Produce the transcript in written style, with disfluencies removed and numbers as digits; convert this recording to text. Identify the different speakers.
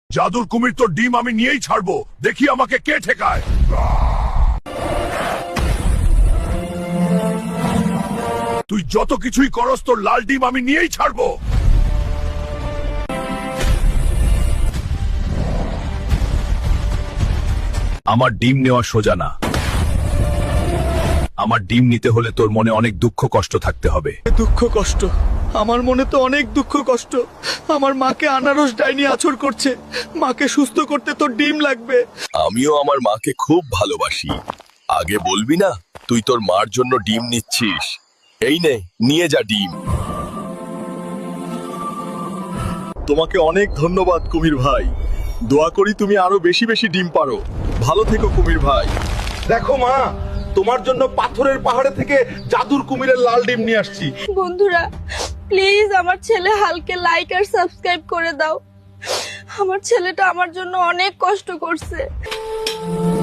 Speaker 1: জাদুর কুমির তো ডিম আমি নিয়েই ছাড়বো, দেখি আমাকে কে ঠেকায়। তুই যত কিছুই করস তোর লাল ডিম আমি নিয়েই ছাড়বো। আমার ডিম নেওয়া সোজা না। আমার ডিম নিতে হলে তোর মনে অনেক দুঃখ কষ্ট থাকতে হবে।
Speaker 2: দুঃখ কষ্ট? আমার মনে তো অনেক দুঃখ কষ্ট। আমার মাকে আনারস ডাইনি আছর করছে। মাকে সুস্থ করতে তো ডিম লাগবে।
Speaker 3: আমিও আমার মাকে খুব ভালোবাসি। আগে বলবি না তুই তোর মার জন্য ডিম নিচ্ছিস? এই নে, নিয়ে যা ডিম।
Speaker 2: তোমাকে অনেক ধন্যবাদ কুমির ভাই। দোয়া করি তুমি আরো বেশি বেশি ডিম পারো। ভালো থেকো কুমির ভাই। দেখো মা, তোমার জন্য পাথরের পাহাড়ে থেকে জাদুর কুমিরের লাল ডিম নিয়ে আসছি।
Speaker 4: বন্ধুরা প্লিজ আমার ছেলে হালকে লাইক আর সাবস্ক্রাইব করে দাও। আমার ছেলেটা আমার জন্য অনেক কষ্ট করছে।